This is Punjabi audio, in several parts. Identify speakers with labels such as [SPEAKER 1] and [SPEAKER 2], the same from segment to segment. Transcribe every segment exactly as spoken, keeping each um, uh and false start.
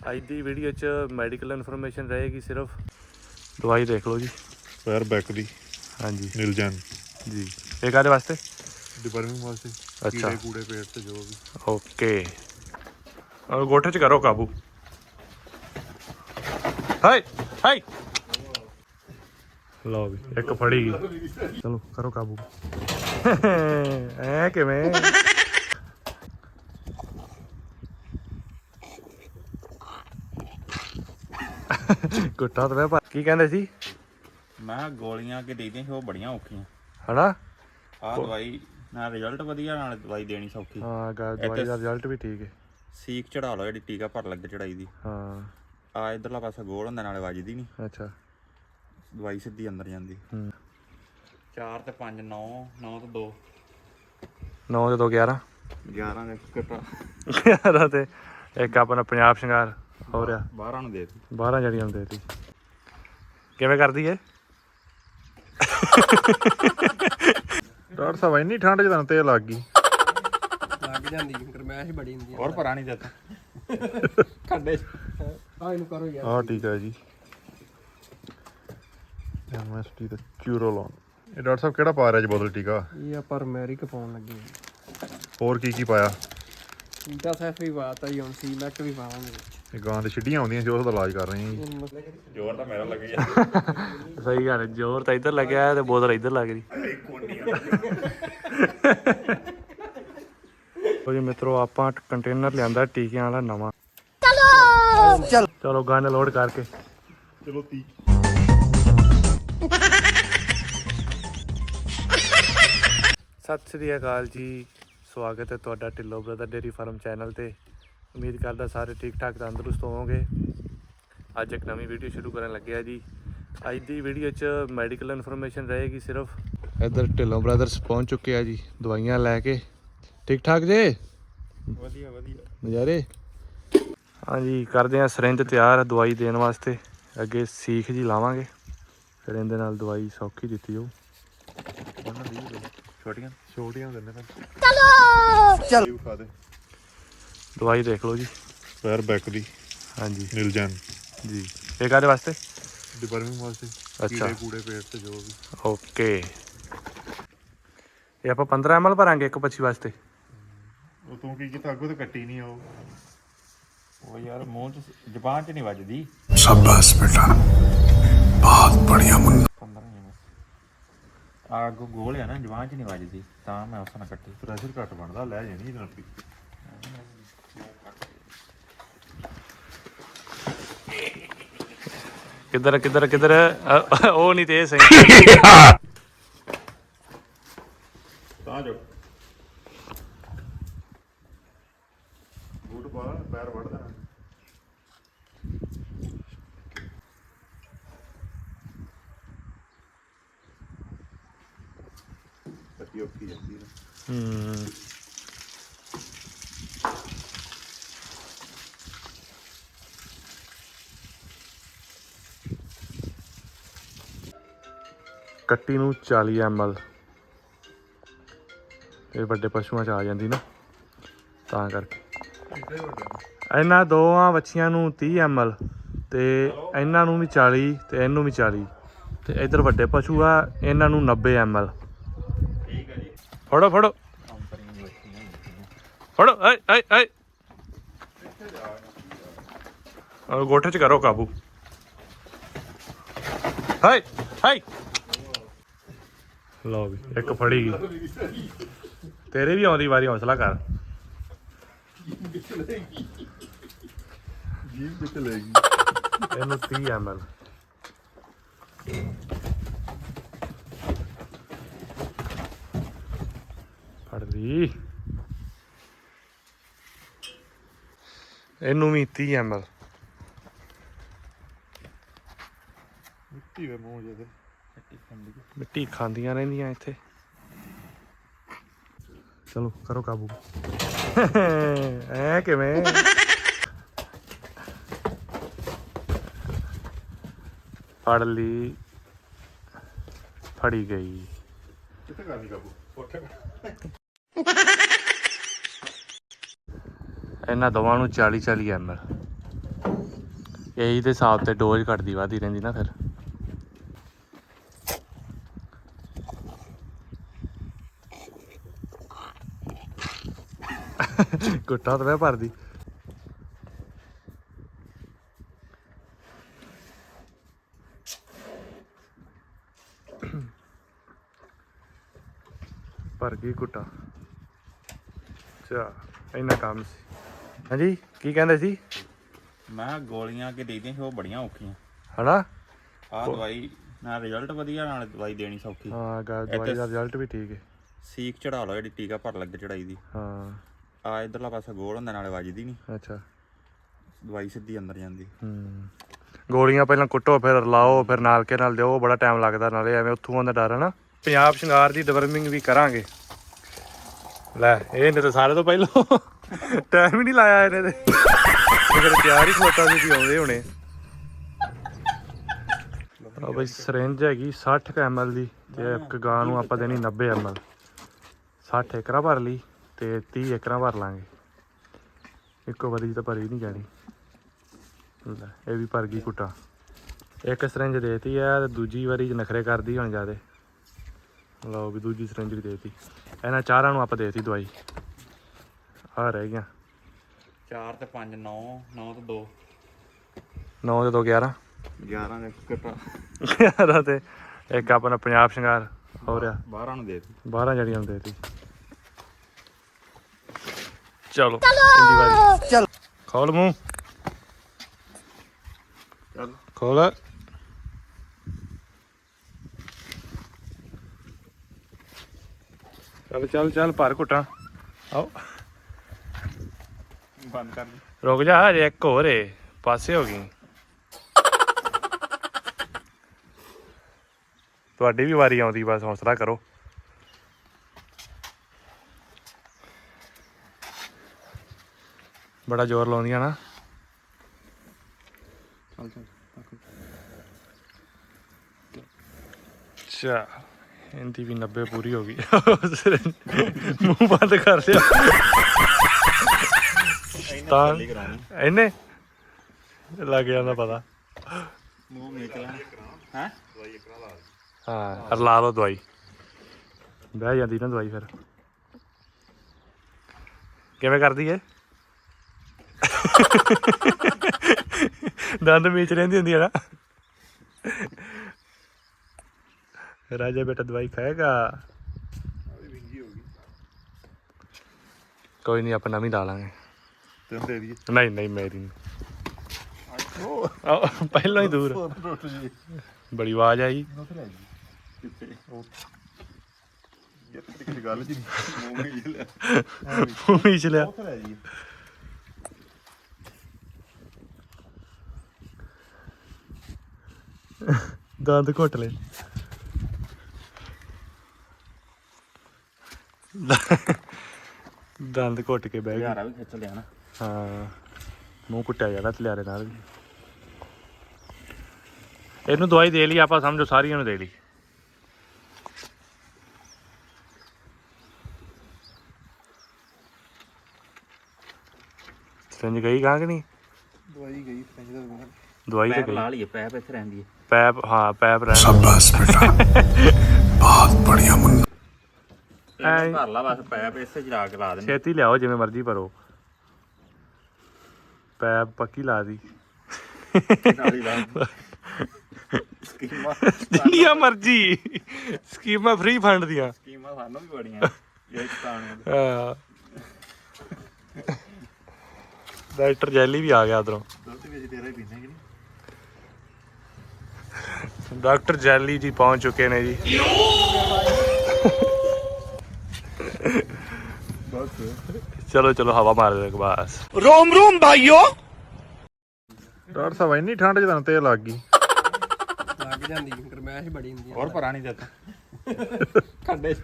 [SPEAKER 1] ਅੱਜ ਦੀ ਵੀਡੀਓ 'ਚ ਮੈਡੀਕਲ ਇਨਫੋਰਮੇਸ਼ਨ ਰਹੇਗੀ ਸਿਰਫ। ਦਵਾਈ ਦੇਖ ਲਓ ਜੀ,
[SPEAKER 2] ਪੈਰ ਬੈਕ ਦੀ।
[SPEAKER 1] ਹਾਂਜੀ
[SPEAKER 2] ਨੀਲਜੈਨ
[SPEAKER 1] ਜੀ। ਇਹ ਕਾਹਦੇ ਵਾਸਤੇ?
[SPEAKER 2] ਡਿਪਰਮਿੰਗ ਵਾਸਤੇ।
[SPEAKER 1] ਅੱਛਾ,
[SPEAKER 2] ਕੀੜੇ ਕੂੜੇ ਪੇਟ ਤੇ ਜੋ ਵੀ।
[SPEAKER 1] ਓਕੇ। ਔਰ ਗੋਠੇ 'ਚ ਕਰੋ ਕਾਬੂ। ਹਾਏ ਹਾਏ, ਲਓ ਵੀ ਇੱਕ ਫੜੀ ਗਈ। ਚਲੋ ਕਰੋ ਕਾਬੂ। ਐ ਕਿਵੇਂ? ਗੁੱਟਾ ਤਾਂ ਮੈਂ ਕੀ ਕਹਿੰਦੇ ਸੀ?
[SPEAKER 3] ਮੈਂ ਗੋਲੀਆਂ ਅੱਗੇ ਦੇਈਆਂ ਸੀ, ਉਹ ਬੜੀਆਂ ਔਖੀਆਂ
[SPEAKER 1] ਹਨਾ।
[SPEAKER 3] ਆਹ ਦਵਾਈ ਨਾਲ ਰਿਜ਼ਲਟ ਵਧੀਆ, ਨਾਲ ਦਵਾਈ ਦੇਣੀ ਸੌਖੀ।
[SPEAKER 1] ਹਾਂ, ਦਵਾਈ ਦਾ ਰਿਜ਼ਲਟ ਵੀ ਠੀਕ ਹੈ।
[SPEAKER 3] ਸੀਕ ਚੜਾ ਲਓ ਜਿਹੜੀ ਟੀਕਾ ਭਰ ਲੱਗੇ ਚੜਾਈ ਦੀ।
[SPEAKER 1] ਹਾਂ,
[SPEAKER 3] ਆ ਇਧਰਲਾ ਪਾਸਾ ਗੋਲ ਹੁੰਦਾ, ਨਾਲੇ ਵੱਜਦੀ ਨਹੀਂ।
[SPEAKER 1] ਅੱਛਾ,
[SPEAKER 3] ਦਵਾਈ ਸਿੱਧੀ ਅੰਦਰ ਜਾਂਦੀ।
[SPEAKER 1] ਹੂੰ।
[SPEAKER 3] ਚਾਰ ਤੇ ਪੰਜ ਨੌ, ਨੌ ਤੇ ਦੋ,
[SPEAKER 1] ਨੌ ਤੇ ਦੋ ਗਿਆਰਾਂ,
[SPEAKER 3] ਗਿਆਰਾਂ ਦੇ ਘਟਾ
[SPEAKER 1] ਗਿਆਰਾਂ ਤੇ ਇੱਕ ਆਪਣਾ ਪੰਜਾਬ ਸ਼ਿੰਗਾਰ ਹੋ ਰਿਹਾ।
[SPEAKER 3] ਬਾਰਾਂ ਨੂੰ ਦੇ ਦਿੱਤੀ।
[SPEAKER 1] ਬਾਰਾਂ ਜੜੀਆਂ ਨੂੰ ਦੇ ਦਿੱਤੀ। ਕਿਵੇਂ ਕਰਦੀ ਏ
[SPEAKER 2] ਡਾਕਟਰ ਸਾਹਿਬ ਇੰਨੀ ਠੰਡ 'ਚ ਤੁਹਾਨੂੰ ਤੇਲ ਲੱਗ ਗਈ?
[SPEAKER 4] ਲੱਗ ਜਾਂਦੀ ਗਰਮੈਸ਼ ਬੜੀ ਹੁੰਦੀ
[SPEAKER 3] ਹੋਰ ਪਰਾਂ ਨਹੀਂ ਦਿੱਤਾ ਖੱਡੇ
[SPEAKER 4] ਆ ਇਹਨੂੰ ਕਰੋ ਯਾਰ।
[SPEAKER 2] ਆਹ ਟੀਕਾ ਜੀ, ਐਮਐਸਟੀ ਦਾ ਕਿਊਰੋਲੋਨ। ਇਹ ਡਾਕਟਰ ਸਾਹਿਬ ਕਿਹੜਾ ਪਾ ਰਿਹਾ ਜੀ ਬੋਤਲ ਟੀਕਾ?
[SPEAKER 4] ਇਹ ਆਪਾਂ ਰਮੈਰਿਕ ਪਾਉਣ ਲੱਗੇ
[SPEAKER 2] ਹੋਰ ਕੀ ਕੀ ਪਾਇਆ?
[SPEAKER 4] ਟੀਕਾ ਸੈਫ ਵੀ ਪਾਤਾ ਜੀ, ਹੁਣ ਸੀ ਮੈਕ ਵੀ ਪਾਵਾਂਗੇ।
[SPEAKER 2] ਇਹ ਗਾਂ ਦੇ ਛਿੱਡੀਆਂ ਆਉਂਦੀਆਂ ਸੀ, ਉਸ ਦਾ ਇਲਾਜ ਕਰ ਰਹੇ ਹਾਂ ਜੀ।
[SPEAKER 3] ਜ਼ੋਰ ਤਾਂ ਮੇਰਾ ਲੱਗੀ
[SPEAKER 1] ਸਹੀ ਗੱਲ ਹੈ, ਜ਼ੋਰ ਤਾਂ ਇੱਧਰ ਲੱਗਿਆ ਤੇ ਬੋਤਲ ਇੱਧਰ ਲੱਗ ਰਹੀ। ਜੀ ਮਿੱਤਰੋ, ਆਪਾਂ ਕੰਟੇਨਰ ਲਿਆਂਦਾ ਟੀਕਿਆਂ ਵਾਲਾ ਨਵਾਂ। ਚਲੋ ਚਲ ਚਲੋ ਗਨ ਲੋਡ ਕਰਕੇ
[SPEAKER 2] ਚਲੋ ਤੀ
[SPEAKER 1] ਸਤਿ ਸ੍ਰੀ ਅਕਾਲ ਜੀ, ਸਵਾਗਤ ਹੈ ਤੁਹਾਡਾ Dhillon brother dairy farm channel ਤੇ। ਉਮੀਦ ਕਰਦਾ ਸਾਰੇ ਠੀਕ ਠਾਕ ਤੰਦਰੁਸਤ ਹੋਵੋਗੇ। ਅੱਜ ਇੱਕ ਨਵੀਂ ਵੀਡੀਓ ਸ਼ੁਰੂ ਕਰਨ ਲੱਗਿਆ ਜੀ। ਅੱਜ ਦੀ ਵੀਡੀਓ 'ਚ ਮੈਡੀਕਲ ਇਨਫੋਰਮੇਸ਼ਨ ਰਹੇਗੀ ਸਿਰਫ। ਇੱਧਰ ਢਿੱਲੋਂ ਬ੍ਰਦਰਸ ਪਹੁੰਚ ਚੁੱਕੇ ਆ ਜੀ, ਦਵਾਈਆਂ ਲੈ ਕੇ। ਠੀਕ ਠਾਕ ਜੇ?
[SPEAKER 3] ਵਧੀਆ ਵਧੀਆ
[SPEAKER 1] ਨਜ਼ਾਰੇ। ਹਾਂਜੀ, ਕਰਦੇ ਆ ਸਿਰਿੰਜ ਤਿਆਰ ਦਵਾਈ ਦੇਣ ਵਾਸਤੇ। ਅੱਗੇ ਸੀਖ ਜੀ ਲਾਵਾਂਗੇ, ਫਿਰ ਇਹਦੇ ਨਾਲ ਦਵਾਈ ਸੌਖੀ ਦਿੱਤੀ ਜਾਊ।
[SPEAKER 3] ਛੋਟੀਆਂ
[SPEAKER 2] ਛੋਟੀਆਂ ਦਿੰਦੇ ਨੇ।
[SPEAKER 1] ਚਲੋ ਚਲ
[SPEAKER 2] ਖਾ ਦੇ।
[SPEAKER 1] ਦਵਾਈ ਦੇਖ ਲਓ ਜੀ,
[SPEAKER 2] ਪੈਰ ਬੈਕ ਦੀ।
[SPEAKER 1] ਹਾਂਜੀ
[SPEAKER 2] ਨੀਲਜੈਨ
[SPEAKER 1] ਜੀ। ਇਹ ਕਾਹਦੇ ਵਾਸਤੇ?
[SPEAKER 2] ਡਿਪਰਮਿੰਗ ਵਾਸਤੇ।
[SPEAKER 1] ਅੱਛਾ,
[SPEAKER 2] ਕੀੜੇ ਕੂੜੇ ਪੇਟ ਤੇ ਜੋ ਵੀ।
[SPEAKER 1] ਓਕੇ। ਇਹ ਆਪਾਂ ਪੰਦਰਾਂ ਐਮ ਐਲ ਭਰਾਂਗੇ ਇੱਕ ਪੱਛੀ ਵਾਸਤੇ।
[SPEAKER 2] ਉਹ ਤੂੰ ਕੀ ਕੀਤਾ ਅੱਗੋਂ ਤੇ ਕੱਟੀ ਨਹੀਂ ਉਹ।
[SPEAKER 3] ਉਹ ਯਾਰ ਮੂੰਹ ਚ ਜ਼ਬਾਨ ਚ ਨਹੀਂ ਵੱਜਦੀ।
[SPEAKER 5] शाबाश बेटा, बहुत बढ़िया मुन्ना।
[SPEAKER 3] ਪੰਦਰਾਂ ਹੀ ਬਸ। ਆ ਅੱਗੋਂ ਗੋਲ ਆ ਨਾ, ਜ਼ਬਾਨ ਚ ਨਹੀਂ ਵੱਜਦੀ, ਤਾਂ ਮੈਂ ਉਸ ਨਾਲ ਕੱਟੀ।
[SPEAKER 2] ਪ੍ਰੈਸ਼ਰ ਘੱਟ ਬਣਦਾ, ਲੈ ਜਾਣੀ ਇਹਦੇ ਨਾਲ ਪੀ।
[SPEAKER 1] ਕਿੱਧਰ ਕਿੱਧਰ ਕਿੱਧਰ? ਅ, ਉਹ ਨਹੀਂ ਤੇ ਇਹ ਸਹੀ।
[SPEAKER 2] ਤਾਂ ਜੋ ਬੂਟ ਪਾ, ਪੈਰ ਵੜਦਾ। ਕੱਟੀ ਔਖੀ ਜਾਂਦੀ ਹੈ।
[SPEAKER 1] ਹੂੰ। ਕੱਟੀ ਨੂੰ ਚਾਲੀ ਐਮ ਐਲ। ਇਹ ਵੱਡੇ ਪਸ਼ੂਆਂ 'ਚ ਆ ਜਾਂਦੀ ਨਾ, ਤਾਂ ਕਰਕੇ। ਇਹਨਾਂ ਦੋਵਾਂ ਵੱਛੀਆਂ ਨੂੰ ਤੀਹ ਐਮ ਐਲ ਤੇ ਇਹਨਾਂ ਨੂੰ ਵੀ ਚਾਲੀ ਤੇ ਇਹਨੂੰ ਵੀ ਚਾਲੀ। ਤੇ ਇੱਧਰ ਵੱਡੇ ਪਸ਼ੂ ਆ, ਇਹਨਾਂ ਨੂੰ ਨੱਬੇ ਐਮ ਐਲ।
[SPEAKER 3] ਠੀਕ ਹੈ ਜੀ।
[SPEAKER 1] ਫੜੋ ਫੜੋ ਫੜੋ। ਆਏ ਆਏ ਆਏ, ਔਰ ਗੋਠੇ 'ਚ ਕਰੋ ਕਾਬੂ। ਹਾਏ ਹਾਏ, ਲਓ ਵੀ ਇੱਕ ਫੜੀ ਗਈ। ਤੇਰੇ ਵੀ ਆਉਂਦੀ ਵਾਰੀ, ਹੌਸਲਾ ਕਰ।
[SPEAKER 2] ਜੀਭ ਕਿੱਥੇ ਲੈ ਗਈ?
[SPEAKER 1] ਇਹਨੂੰ ਤੀਹ ਐਮ ਐਲ। ਫੜ ਲਈ। ਇਹਨੂੰ ਵੀ ਤੀਹ ਐਮ ਐਲ।
[SPEAKER 2] ਮਿੱਟੀ ਵੇ ਮੂੰਹ ਜਿਹਦੇ।
[SPEAKER 1] ਮਿੱਟੀ ਖਾਂਦੀਆਂ ਰਹਿੰਦੀਆਂ ਇੱਥੇ। ਚਲੋ ਕਰੋ ਕਾਬੂ। ਐ ਕਿਵੇਂ? ਫੜ ਲਈ, ਫੜੀ ਗਈ।
[SPEAKER 2] ਕਿੱਥੇ ਕਰਨੀ ਕਾਬੂ?
[SPEAKER 1] ਇਹਨਾਂ ਦੋਵਾਂ ਨੂੰ ਚਾਲੀ ਚਾਲੀ ਐਮ ਐਲ। ਇਹੀ ਦੇ ਹਿਸਾਬ ਤੇ ਡੋਜ਼ ਘਟਦੀ ਵੱਧਦੀ ਰਹਿੰਦੀ ਨਾ ਫਿਰ। ਗੁੱਟਾ ਤਾਂ ਮੈਂ ਭਰਦੀ। ਭਰ ਗਈ ਗੁੱਟਾ। ਅੱਛਾ ਇੰਨਾ ਕੰਮ ਸੀ। ਹਾਂਜੀ ਕੀ ਕਹਿੰਦੇ ਸੀ?
[SPEAKER 3] ਮੈਂ ਗੋਲੀਆਂ ਕਿ ਦੇਈਆਂ ਸੀ ਉਹ ਬੜੀਆਂ ਔਖੀਆਂ
[SPEAKER 1] ਹਨਾ।
[SPEAKER 3] ਆਹ ਦਵਾਈ ਨਾਲ ਰਿਜ਼ਲਟ ਵਧੀਆ, ਨਾਲ ਦਵਾਈ ਦੇਣੀ ਸੌਖੀ।
[SPEAKER 1] ਹਾਂ ਗਾ ਦਵਾਈ ਦਾ ਰਿਜ਼ਲਟ ਵੀ ਠੀਕ ਹੈ।
[SPEAKER 3] ਸੀਕ ਚੜਾ ਲਓ ਜਿਹੜੀ ਟੀਕਾ ਭਰ ਲੱਗੇ ਚੜਾਈ ਦੀ।
[SPEAKER 1] ਹਾਂ
[SPEAKER 3] ਆ ਇਧਰਲਾ ਪਾਸਾ ਗੋਲ ਹੁੰਦਾ, ਨਾਲੇ ਵੱਜਦੀ ਨਹੀਂ,
[SPEAKER 1] ਅੱਛਾ।
[SPEAKER 3] ਦਵਾਈ ਸਿੱਧੀ ਅੰਦਰ ਜਾਂਦੀ।
[SPEAKER 1] ਹੂੰ ਗੋਲੀਆਂ ਪਹਿਲਾਂ ਕੁੱਟੋ ਫਿਰ ਲਾਓ ਫਿਰ ਨਾਲ ਕੇ ਨਾਲ ਦਿਓ, ਬੜਾ ਟਾਈਮ ਲੱਗਦਾ, ਨਾਲੇ ਐਵੇਂ ਉੱਥੋਂ ਆਉਂਦਾ ਡਰ ਹੈ ਨਾ। ਪੰਜਾਬ ਸ਼ਿੰਗਾਰ ਦੀ ਡਿਵਰਮਿੰਗ ਵੀ ਕਰਾਂਗੇ। ਲੈ ਇਹਨੇ ਤਾਂ ਸਾਰੇ ਤੋਂ ਪਹਿਲਾਂ ਟਾਈਮ ਹੀ ਨਹੀਂ ਲਾਇਆ ਇਹਨੇ ਤੇ, ਫਿਰ ਤਿਆਰ ਹੀ ਖਲੋਤਾ ਸੀ ਵੀ ਆਉਂਦੇ ਹੋਣੇ। ਆ ਬਈ ਸਰਿੰਜ ਹੈਗੀ ਸੱਠ ਕੁ ਐਮ ਐਲ ਦੀ, ਤੇ ਇੱਕ ਗਾਂ ਨੂੰ ਆਪਾਂ ਦੇਣੀ ਨੱਬੇ ਐਮ ਐਲ। ਸੱਠ ਏਕੜਾਂ ਭਰ ਲਈ ਤੇ ਤੀਹ ਏਕੜਾਂ ਭਰ ਲਾਂਗੇ, ਇੱਕੋ ਵਾਰੀ ਤਾਂ ਭਰੀ ਨਹੀਂ ਜਾਣੀ। ਲੈ ਇਹ ਵੀ ਭਰ ਗਈ ਕੁੱਟਾ। ਇੱਕ ਸਰਿੰਜ ਦੇਤੀ ਹੈ ਤੇ ਦੂਜੀ ਵਾਰੀ 'ਚ ਨਖਰੇ ਕਰਦੀ ਹੁਣ ਜ਼ਿਆਦਾ। ਲਓ ਵੀ ਦੂਜੀ ਸਰਿੰਜ ਵੀ ਦੇਤੀ। ਇਹਨਾਂ ਚਾਰਾਂ ਨੂੰ ਆਪਾਂ ਦੇਤੀ ਦਵਾਈ। ਆਹ ਰਹਿ ਗਈਆਂ
[SPEAKER 3] ਚਾਰ ਤੇ ਪੰਜ ਨੌ, ਨੌ ਤੇ ਦੋ,
[SPEAKER 1] ਨੌ ਤੇ ਦੋ ਗਿਆਰਾਂ,
[SPEAKER 3] ਗਿਆਰਾਂ ਦੇ ਘਟਾ
[SPEAKER 1] ਗਿਆਰਾਂ ਤੇ ਇੱਕ ਆਪਣਾ ਪੰਜਾਬ ਸ਼ਿੰਗਾਰ ਹੋ ਰਿਹਾ
[SPEAKER 3] ਬਾਰਾਂ ਨੂੰ ਦੇ ਦਿੱਤੀ।
[SPEAKER 1] ਬਾਰਾਂ ਜੜੀਆਂ ਨੂੰ ਦੇਤੀ। ਚਲੋ ਇੰਦੀ ਵਾਰੀ ਚਲ ਖੋਲ ਮੂੰਹ,
[SPEAKER 3] ਚੱਲ
[SPEAKER 1] ਖੋਲ। ਚੱਲ ਚੱਲ ਚੱਲ ਭਰ ਘੁੱਟਾਂ। ਆਓ
[SPEAKER 3] ਬੰਦ ਕਰ ਦੇ।
[SPEAKER 1] ਰੁਕ ਜਾ ਹਜੇ ਇੱਕ ਹੋਰ ਏ, ਪਾਸੇ ਹੋ ਗਈ। ਤੁਹਾਡੀ ਵੀ ਵਾਰੀ ਆਉਂਦੀ, ਬਸ ਹੌਸਲਾ ਕਰੋ। ਬੜਾ ਜ਼ੋਰ ਲਾਉਂਦੀਆਂ ਨਾ।
[SPEAKER 3] ਚੱਲ ਚੱਲ
[SPEAKER 1] ਅੱਛਾ ਇਹਦੀ ਵੀ ਨੱਬੇ ਪੂਰੀ ਹੋ ਗਈ। ਮੂੰਹ ਬੰਦ ਕਰ ਲਿਆ ਤਾਂ ਇਹਨੇ ਲੱਗ ਜਾਂਦਾ ਪਤਾ।
[SPEAKER 3] ਮੂੰਹ ਮੇਚ ਲੈ ਹੈ।
[SPEAKER 1] ਹਾਂ ਲਾ ਲਓ ਦਵਾਈ, ਬਹਿ ਜਾਂਦੀ ਨਾ ਦਵਾਈ ਫਿਰ। ਕਿਵੇਂ ਕਰਦੀ ਏ? ਦੰਦ ਮੀਚ ਰਹਿੰਦੀ ਹੁੰਦੀ ਹੈ ਨਾ। ਰਾਜਾ ਬੇਟਾ ਦਵਾਈ ਖਾਏਗਾ। ਕੋਈ ਨਹੀਂ ਆਪਾਂ ਨਵੀਂ ਲਾ ਲਾਂਗੇ।
[SPEAKER 2] ਤੈਨੂੰ ਦੇ ਦਈਏ।
[SPEAKER 1] ਨਹੀਂ ਨਹੀਂ ਮੇਰੀ ਨਹੀਂ। ਆਹ, ਪਹਿਲਾਂ ਹੀ ਦੂਰ ਬੜੀ ਆਵਾਜ਼ ਆਈ।
[SPEAKER 2] ਕਿਸੇ ਗੱਲ ਜੀ
[SPEAKER 1] ਮੂੰਹ ਮੀਚ ਲਿਆ। ਦੰਦ ਘੁੱਟ ਲੈ। ਦੰਦ ਘੁੱਟ ਕੇ ਬਹਿ ਗਿਆ।
[SPEAKER 3] ਯਾਰਾ ਵੀ ਖਿੱਚ ਲਿਆ ਨਾ।
[SPEAKER 1] ਹਾਂ ਮੂੰਹ ਕੁੱਟਿਆ ਜਾਂਦਾ ਤਲਿਆਰੇ ਨਾਲ ਵੀ। ਇਹਨੂੰ ਦਵਾਈ ਦੇ ਲਈ ਆਪਾਂ, ਸਮਝੋ ਸਾਰੀਆਂ ਨੂੰ ਦੇ ਲਈ। ਸਿੰਜ ਗਈ ਗਾਂ ਕਿ ਨਹੀਂ?
[SPEAKER 4] ਦਵਾਈ ਗਈ ਫਰੈਂਚ ਦਾ
[SPEAKER 1] ਦਵਾਈ ਤਾਂ
[SPEAKER 3] ਪੈਪ
[SPEAKER 1] ਗਈ।
[SPEAKER 3] ਲਾ ਲਈਏ, ਪੈਪ ਇੱਥੇ ਰਹਿੰਦੀ ਹੈ।
[SPEAKER 1] ਪੈਪ ਹਾਂ ਪੈਪ ਰਹਿ
[SPEAKER 5] शाबाश बेटा बहुत बढ़िया मुन्ना
[SPEAKER 3] ਇਹਨੇ ਭਰ ਲਾ ਬਸ, ਪੈਪ ਇਸੇ ਜਰਾ ਕੇ ਲਾ ਦੇਣੀ।
[SPEAKER 1] ਛੇਤੀ ਲਿਆਓ, ਜਿਵੇਂ ਮਰਜ਼ੀ ਭਰੋ। ਪੈਪ ਪੱਕੀ ਲਾ ਦੀ।
[SPEAKER 3] ਨਾਲ ਹੀ ਲਾ ਸਕੀਮਾਂ
[SPEAKER 1] ਜਿੰਨੀਆਂ ਮਰਜ਼ੀ ਸਕੀਮਾਂ ਫ੍ਰੀ ਫੰਡ ਦੀਆਂ।
[SPEAKER 3] ਸਕੀਮਾਂ ਸਾਨੂੰ ਵੀ ਬੜੀਆਂ ਇਹ ਚਤਾਣੀਆਂ।
[SPEAKER 1] ਹਾਂ ਡਾਕਟਰ ਜੈਲੀ ਵੀ ਆ ਗਿਆ ਉਧਰੋਂ।
[SPEAKER 3] ਦੁੱਧ ਵਿੱਚ ਤੇਰਾ ਹੀ ਪੀਣਾ ਕਿ ਨਹੀਂ?
[SPEAKER 1] ਡਾਕਟਰ ਜੈਲੀ ਜੀ ਪਹੁੰਚ ਚੁੱਕੇ ਨੇ ਜੀ। ਚਲੋ ਚਲੋ ਹਵਾ ਮਾਰ ਦੇ ਬਸ।
[SPEAKER 2] ਡਾਕਟਰ ਸਾਹਿਬ ਇੰਨੀ ਠੰਡ ਚ ਤੁਹਾਨੂੰ ਤੇਲ ਲੱਗ ਗਈ।
[SPEAKER 4] ਲੱਗ ਜਾਂਦੀ ਗਰਮੈਸ਼ ਬੜੀ ਹੁੰਦੀ
[SPEAKER 3] ਹੋਰ ਭਰਾ ਨਹੀਂ ਦਿੱਤਾ
[SPEAKER 4] ਖੱਡੇ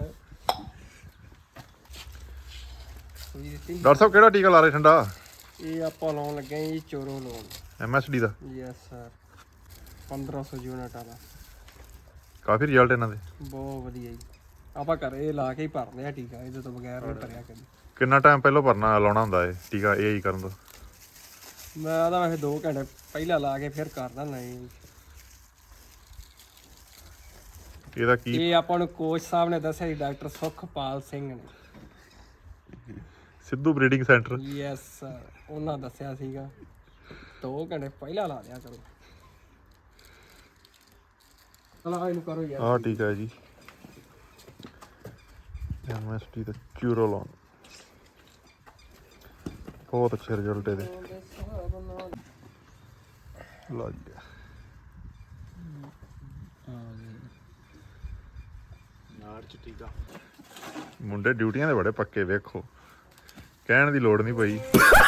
[SPEAKER 2] ਡਾਕਟਰ ਸਾਹਿਬ ਕਿਹੜਾ ਟੀਕਾ ਲਾ ਰਹੇ ਠੰਡਾ?
[SPEAKER 4] ਇਹ ਆਪਾਂ ਲਾਉਣ ਲੱਗੇ ਹਾਂ ਜੀ ਚੋਰੋ ਲਾਉਣ।
[SPEAKER 2] ਐਮ ਐਸ ਡੀ ਦਾ
[SPEAKER 4] ਯੈਸ ਸਰ ਪੰਦਰਾਂ ਸੌ ਯੂਨਿਟ ਵਾਲਾ।
[SPEAKER 2] ਕਾਫੀ ਰਿਜ਼ਲਟ ਇਹਨਾਂ ਦੇ।
[SPEAKER 4] ਬਹੁਤ ਵਧੀਆ ਜੀ। ਆਪਾਂ ਘਰੇ ਲਾ ਕੇ ਹੀ ਭਰਦੇ ਆ ਟੀਕਾ, ਇਹਦੇ ਤੋਂ ਬਗੈਰ ਨਹੀਂ ਭਰਿਆ ਕਦੀ।
[SPEAKER 2] ਕਿੰਨਾ ਟਾਈਮ ਪਹਿਲਾਂ ਭਰਨਾ ਲਾਉਣਾ ਹੁੰਦਾ ਇਹ ਟੀਕਾ ਏ ਆਈ ਕਰਨ ਤੋਂ?
[SPEAKER 4] ਮੈਂ ਤਾਂ ਵੈਸੇ ਦੋ ਘੰਟੇ ਪਹਿਲਾਂ ਲਾ ਕੇ ਫਿਰ ਕਰਦਾ ਨਹੀਂ।
[SPEAKER 2] ਇਹਦਾ ਕੀ
[SPEAKER 4] ਇਹ ਆਪਾਂ ਨੂੰ ਕੋਚ ਸਾਹਿਬ ਨੇ ਦੱਸਿਆ ਸੀ, ਡਾਕਟਰ ਸੁਖਪਾਲ ਸਿੰਘ ਨੇ।
[SPEAKER 2] Sidhu breeding centre.
[SPEAKER 4] Yes sir, ਉਹਨਾਂ ਦੱਸਿਆ ਸੀਗਾ ਦੋ ਘੰਟੇ ਪਹਿਲਾਂ ਲਾ ਦਿਆ ਕਰੋ। ਚਲੋ ਇਹਨੂੰ ਕਰੋ ਯਾਰ।
[SPEAKER 2] ਆਹ ਠੀਕ ਹੈ ਜੀ, ਐਮ ਐਸ ਟੀ ਦਾ ਕਿਊਰੋਲੋਨ, ਬਹੁਤ ਅੱਛੇ ਰਿਜ਼ਲਟ ਇਹਦੇ। ਲਓ ਜੀ,
[SPEAKER 1] ਨਾੜ ਚ ਟੀਕਾ।
[SPEAKER 2] ਮੁੰਡੇ ਡਿਊਟੀਆਂ ਦੇ ਬੜੇ ਪੱਕੇ, ਵੇਖੋ ਕਹਿਣ ਦੀ ਲੋੜ ਨਹੀਂ ਪਈ।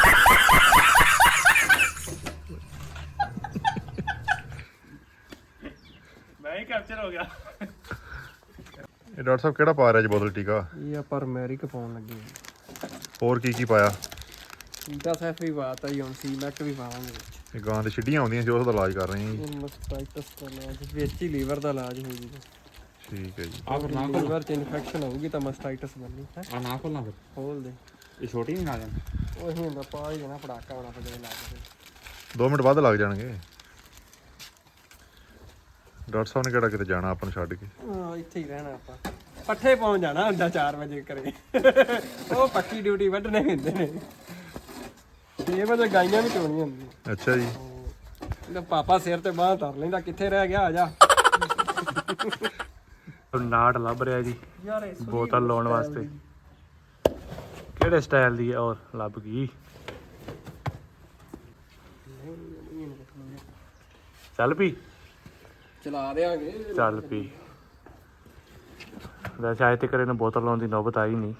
[SPEAKER 1] ਮੈਂ ਹੀ ਕੈਪਚਰ ਹੋ ਗਿਆ।
[SPEAKER 2] ਇਹ ਡਾਕਟਰ ਸਾਹਿਬ ਕਿਹੜਾ ਪਾ ਰਿਹਾ ਜੀ ਬੋਤਲ ਟੀਕਾ?
[SPEAKER 4] ਇਹ ਆਪਾਂ ਰਮੈਰਿਕ ਪਾਉਣ ਲੱਗੇ ਹਾਂ।
[SPEAKER 2] ਹੋਰ ਕੀ ਕੀ ਪਾਇਆ?
[SPEAKER 4] ਟੀਕਾ ਸੈਫ ਵੀ ਪਾਤਾ ਜੀ, ਹੁਣ ਸੀ ਮੈਕ ਵੀ ਪਾਵਾਂਗੇ ਵਿੱਚ।
[SPEAKER 2] ਇਹ ਗਾਂ ਦੇ ਛਿੱਡੀਆਂ ਆਉਂਦੀਆਂ ਜੋ ਉਹਦਾ ਇਲਾਜ ਕਰ ਰਹੇ ਹਾਂ ਜੀ।
[SPEAKER 4] ਇਹ ਮਸਟਾਈਟਸ ਦਾ ਇਲਾਜ ਵਿੱਚ ਹੀ ਲੀਵਰ ਦਾ ਇਲਾਜ ਹੋ ਜੂਗਾ।
[SPEAKER 2] ਠੀਕ ਹੈ ਜੀ।
[SPEAKER 3] ਆ ਫਿਰ ਨਾ
[SPEAKER 4] ਲੀਵਰ 'ਚ ਇਨਫੈਕਸ਼ਨ ਹੋਊਗੀ ਤਾਂ ਮਸਟਾਈਟਸ ਬਣਨੀ ਹੈ।
[SPEAKER 3] ਆ ਨਾ ਖੋਲਣਾ ਫਿਰ,
[SPEAKER 4] ਖੋਲ ਦੇ।
[SPEAKER 3] ਇਹ ਛੋਟੀ ਨਹੀਂ ਨਾ ਜਾਣ।
[SPEAKER 4] ਉਹ ਹੀ ਹੁੰਦਾ ਪਾ ਹੀ ਜਾਣਾ, ਪੜਾਕਾ ਹੋਣਾ ਫਿਰ ਲਾ ਕੇ।
[SPEAKER 2] ਦੋ ਮਿੰਟ ਵੱਧ ਲੱਗ ਜਾਣਗੇ। ਡਾਕਟਰ ਸਾਹਿਬ ਨੇ ਕਿਹੜਾ ਕਿਤੇ ਜਾਣਾ ਆਪਾਂ ਨੂੰ ਛੱਡ ਕੇ?
[SPEAKER 4] ਹਾਂ, ਇੱਥੇ ਹੀ ਰਹਿਣਾ ਆਪਾਂ। ਪੱਠੇ ਪਾਉਣ ਜਾਣਾ ਹੁੰਦਾ ਚਾਰ ਵਜੇ ਕਰੇ। ਉਹ ਪੱਕੀ ਡਿਊਟੀ ਵੱਢਣੇ ਹੁੰਦੇ ਨੇ। ਛੇ ਵਜੇ ਗਾਈਆਂ ਵੀ ਚੋਣੀਆਂ ਹੁੰਦੀਆਂ।
[SPEAKER 2] ਅੱਛਾ ਜੀ।
[SPEAKER 4] ਇਹਦਾ ਪਾਪਾ ਸਿਰ ਤੇ ਬਾਂਹ ਧਰ ਲੈਂਦਾ, ਕਿੱਥੇ ਰਹਿ ਗਿਆ, ਆ ਜਾ।
[SPEAKER 1] ਨਾੜ ਲੱਭ ਰਿਹਾ ਜੀ
[SPEAKER 4] ਯਾਰ ਇਹ
[SPEAKER 1] ਬੋਤਲ ਲਾਉਣ ਵਾਸਤੇ। ਕਿਹੜੇ ਸਟਾਈਲ ਦੀ ਹੈ? ਔਰ ਲੱਭ ਗਈ। ਚੱਲ ਪੀ,
[SPEAKER 4] ਚਲਾ ਦੇਾਂਗੇ।
[SPEAKER 1] ਚੱਲ ਪੀ। ਵੈਸੇ ਆਏ ਤੇ ਕਰੇ ਨਾ ਬੋਤਲ ਲਾਉਣ ਦੀ ਨੌਬਤ ਆਈ ਨਹੀਂ।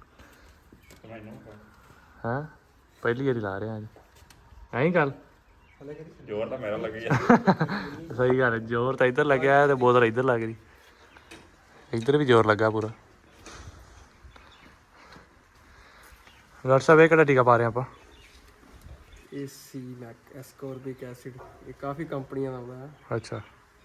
[SPEAKER 1] ਹਾਂ, ਪਹਿਲੀ ਵਾਰੀ ਲਾ ਰਿਹਾ ਅੱਜ। ਐਂ ਗੱਲ
[SPEAKER 2] ਜ਼ੋਰ ਤਾਂ ਮੇਰਾ ਲੱਗ
[SPEAKER 1] ਸਹੀ ਗੱਲ ਹੈ, ਜ਼ੋਰ ਤਾਂ ਇੱਧਰ ਲੱਗਿਆ ਤੇ ਬੋਤਲ ਇੱਧਰ ਲੱਗ ਰਹੀ। ਇੱਧਰ ਵੀ ਜ਼ੋਰ ਲੱਗਾ ਪੂਰਾ। ਡਾਕਟਰ ਸਾਹਿਬ ਇਹ ਕਿਹੜਾ ਟੀਕਾ ਪਾ ਰਹੇ ਆਪਾਂ?
[SPEAKER 4] ਇਹ ਸੀ ਮੈਕ ਐਸਕੋਰਬਿਕ ਐਸਿਡ। ਇਹ ਕਾਫੀ ਕੰਪਨੀਆਂ ਦਾ ਆਉਂਦਾ ਹੈ।
[SPEAKER 1] ਅੱਛਾ,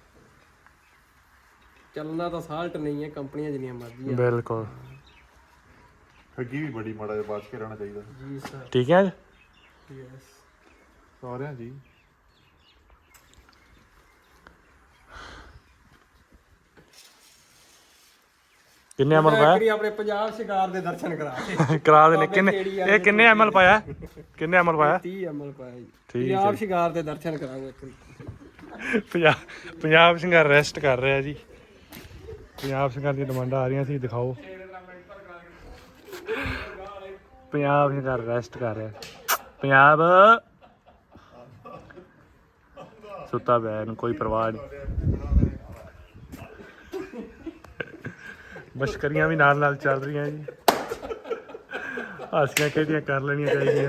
[SPEAKER 4] ਚੱਲਣਾ ਤਾਂ ਸਾਲਟ ਨਹੀਂ ਹੈ, ਕੰਪਨੀਆਂ ਜਿੰਨੀਆਂ ਮਰਜ਼ੀ ਆ।
[SPEAKER 1] ਬਿਲਕੁਲ
[SPEAKER 2] ਠੱਗੀ ਵੀ ਬੜੀ ਮਾੜਾ ਜਿਹਾ ਬਚ ਕੇ ਰਹਿਣਾ ਚਾਹੀਦਾ
[SPEAKER 4] ਜੀ ਸਰ।
[SPEAKER 1] ਠੀਕ ਹੈ।
[SPEAKER 4] ਯੈਸ
[SPEAKER 2] ਸਾਰਿਆਂ ਜੀ।
[SPEAKER 1] ਕਿੰਨੇ ਐਮਲ ਪਾਇਆ?
[SPEAKER 4] ਆਪਣੇ ਪੰਜਾਬ ਸ਼ਿਕਾਰ ਦੇ ਦਰਸ਼ਨ ਕਰਾ ਕੇ
[SPEAKER 1] ਕਰਾ ਦੇ ਨੇ। ਕਿੰਨੇ ਇਹ ਕਿੰਨੇ ਐਮਲ ਪਾਇਆ? ਕਿੰਨੇ ਐਮਲ ਪਾਇਆ?
[SPEAKER 4] ਤੀਹ ਐਮਐਲ ਪਾਇਆ ਜੀ।
[SPEAKER 1] ਠੀਕ
[SPEAKER 4] ਪੰਜਾਬ ਸ਼ਿਕਾਰ ਦੇ ਦਰਸ਼ਨ ਕਰਾਂਗੇ ਇੱਕ ਵਾਰੀ।
[SPEAKER 1] ਪੰਜਾਬ ਪੰਜਾਬ ਸਿੰਘਾਂ ਰੈਸਟ ਕਰ ਰਿਹਾ ਜੀ। ਪੰਜਾਬ ਸਿੰਘਾਂ ਦੀਆਂ ਡਿਮਾਂਡਾਂ ਆ ਰਹੀਆਂ ਸੀ, ਦਿਖਾਓ। ਪੰਜਾਬ ਸਿੰਘਾਂ ਰੈਸਟ ਕਰ ਰਿਹਾ। ਪੰਜਾਬ ਸੁੱਤਾ ਪਿਆ, ਇਹਨੂੰ ਕੋਈ ਪਰਵਾਹ ਨਹੀਂ। ਮਸ਼ਕਰੀਆਂ ਵੀ ਨਾਲ ਨਾਲ ਚੱਲ ਰਹੀਆਂ ਜੀ। ਹਾਸੀਆਂ ਖੇਡੀਆਂ ਕਰ ਲੈਣੀਆਂ ਚਾਹੀਦੀਆਂ।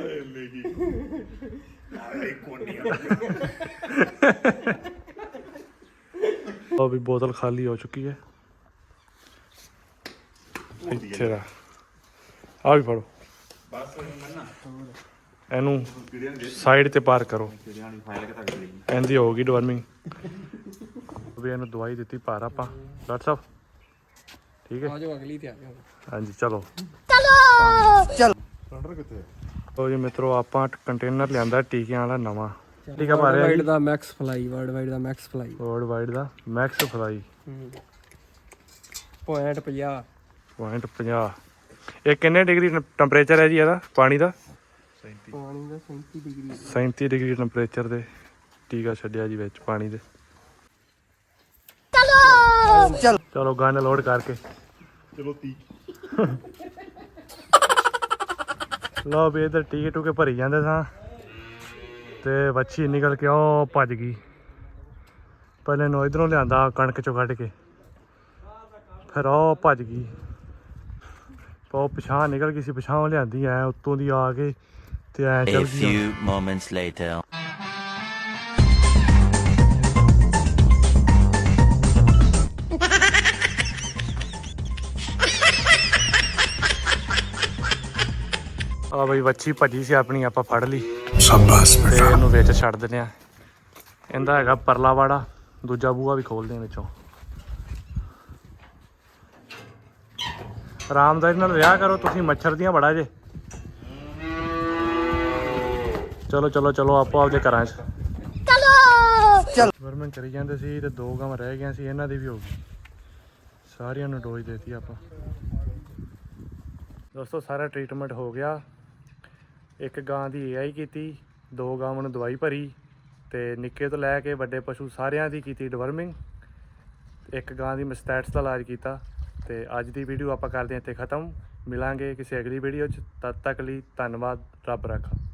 [SPEAKER 1] ਉਹ ਵੀ ਬੋਤਲ ਖਾਲੀ ਹੋ ਚੁੱਕੀ ਹੈ। ਇੱਥੇ ਦਾ ਆ ਵੀ ਫੜੋ, ਇਹਨੂੰ ਸਾਈਡ ਤੇ ਪਾਰ ਕਰੋ। ਇਹਦੀ ਹੋਊਗੀ ਡਿਵਰਮਿੰਗ। ਵੀ ਇਹਨੂੰ ਦਵਾਈ ਦਿੱਤੀ ਪਾਰ ਆਪਾਂ। ਡਾਕਟਰ ਸਾਹਿਬ ਠੀਕ ਹੈ।
[SPEAKER 4] ਆ ਜਾਓ ਅਗਲੀ ਤੇ ਆ ਜਾਓ।
[SPEAKER 1] ਹਾਂਜੀ ਚਲੋ
[SPEAKER 2] ਸਿਲੰਡਰ ਕਿੱਥੇ ਹੈ?
[SPEAKER 1] ਲਓ ਜੀ ਮਿੱਤਰੋ, ਆਪਾਂ ਕੰਟੇਨਰ ਲਿਆਂਦਾ ਟੀਕਿਆਂ ਵਾਲਾ ਨਵਾਂ। ਟੀਕਾ ਪਾ ਰਿਹਾ
[SPEAKER 4] ਵਾਈਡ
[SPEAKER 1] ਜੀ
[SPEAKER 4] ਦਾ ਮੈਕਸ ਫਲਾਈ, ਵਰਲਡ ਵਾਈਡ ਦਾ ਮੈਕਸ ਫਲਾਈ।
[SPEAKER 1] ਵਰਲਡ ਵਾਈਡ ਦਾ ਮੈਕਸ ਫਲਾਈ
[SPEAKER 4] ਪੁਆਇੰਟ ਪੰਜਾਹ।
[SPEAKER 1] ਪੁਆਇੰਟ ਪੰਜਾਹ। ਇਹ ਕਿੰਨੇ ਡਿਗਰੀ ਟੈਂਪਰੇਚਰ ਹੈ ਜੀ ਇਹਦਾ ਪਾਣੀ ਦਾ?
[SPEAKER 4] ਪਾਣੀ ਦਾ ਸੈਂਤੀ ਡਿਗਰੀ।
[SPEAKER 1] ਸੈਂਤੀ ਡਿਗਰੀ ਟੈਂਪਰੇਚਰ ਦੇ ਟੀਕਾ ਛੱਡਿਆ ਜੀ ਵਿੱਚ ਪਾਣੀ ਦੇ। ਚਲੋ ਚਲੋ ਗਨ ਲੋਡ ਕਰਕੇ
[SPEAKER 2] ਚਲੋ ਤੀ।
[SPEAKER 1] ਲਓ ਵੀ ਇੱਧਰ ਟੀਕੇ ਟੂਕੇ ਭਰੀ ਜਾਂਦੇ ਸਾਂ ਤੇ ਵੱਛੀ ਨਿਕਲ ਕੇ ਉਹ ਭੱਜ ਗਈ। ਪਹਿਲੇ ਨੂੰ ਇਧਰੋਂ ਲਿਆਂਦਾ ਕਣਕ ਚੋਂ ਕੱਢ ਕੇ, ਫਿਰ ਉਹ ਭੱਜ ਗਈ। ਉਹ ਪਿਛਾਂ ਨਿਕਲ ਗਈ ਸੀ, ਪਿਛਾਂ ਲਿਆਂਦੀ ਐ ਉੱਤੋਂ ਦੀ ਆ ਕੇ ਤੇ ਐ
[SPEAKER 6] A
[SPEAKER 1] ਚੱਲ ਗਈ।
[SPEAKER 6] few moments later.
[SPEAKER 1] ਆ ਬਈ ਵੱਛੀ ਭੱਜੀ ਸੀ ਆਪਣੀ, ਆਪਾਂ ਫੜ ਲਈ
[SPEAKER 5] शाबाश
[SPEAKER 1] ਤੇ
[SPEAKER 5] बेटा।
[SPEAKER 1] ਇਹਨੂੰ ਵਿੱਚ ਛੱਡ ਦਿੰਦੇ ਆ। ਇਹਦਾ ਹੈਗਾ ਪਰਲਾ ਵਾੜਾ, ਦੂਜਾ ਬੂਹਾ ਵੀ ਖੋਲਦੇ ਆ ਵਿੱਚੋਂ। ਆਰਾਮਦਾਰੀ ਨਾਲ ਰਿਹਾ ਕਰੋ ਤੁਸੀਂ, ਮੱਛਰ ਦੀਆਂ ਬੜਾ ਜੇ। ਚਲੋ ਚਲੋ ਚਲੋ ਆਪੋ ਆਪਦੇ ਘਰਾਂ 'ਚ ਚਲੋ ਵਰਮਨ ਕਰੀ ਜਾਂਦੇ ਸੀ ਤੇ ਦੋ ਗਾਵਾਂ ਰਹਿ ਗਈਆਂ ਸੀ, ਇਹਨਾਂ ਦੀ ਵੀ ਹੋ ਗਈ। ਸਾਰਿਆਂ ਨੂੰ ਡੋਜ਼ ਦੇਤੀ ਆਪਾਂ। ਦੋਸਤੋ ਸਾਰਾ ਟ੍ਰੀਟਮੈਂਟ ਹੋ ਗਿਆ। ਇੱਕ ਗਾਂ ਦੀ ਏ ਆਈ ਕੀਤੀ, ਦੋ ਗਾਵਾਂ ਨੂੰ ਦਵਾਈ ਭਰੀ ਤੇ ਨਿੱਕੇ ਤੋਂ ਲੈ ਕੇ ਵੱਡੇ ਪਸ਼ੂ ਸਾਰਿਆਂ ਦੀ ਕੀਤੀ ਡਿਵਰਮਿੰਗ। ਇੱਕ ਗਾਂ ਦੀ ਮਸਟੈਟਸ ਦਾ ਇਲਾਜ ਕੀਤਾ। ਤੇ ਅੱਜ ਦੀ ਵੀਡੀਓ ਆਪਾਂ ਕਰਦੇ ਹਾਂ ਇੱਥੇ ਖ਼ਤਮ। ਮਿਲਾਂਗੇ ਕਿਸੇ ਅਗਲੀ ਵੀਡੀਓ 'ਚ। ਤਦ ਤੱਕ ਲਈ ਧੰਨਵਾਦ। ਰੱਬ ਰਾਖਾ।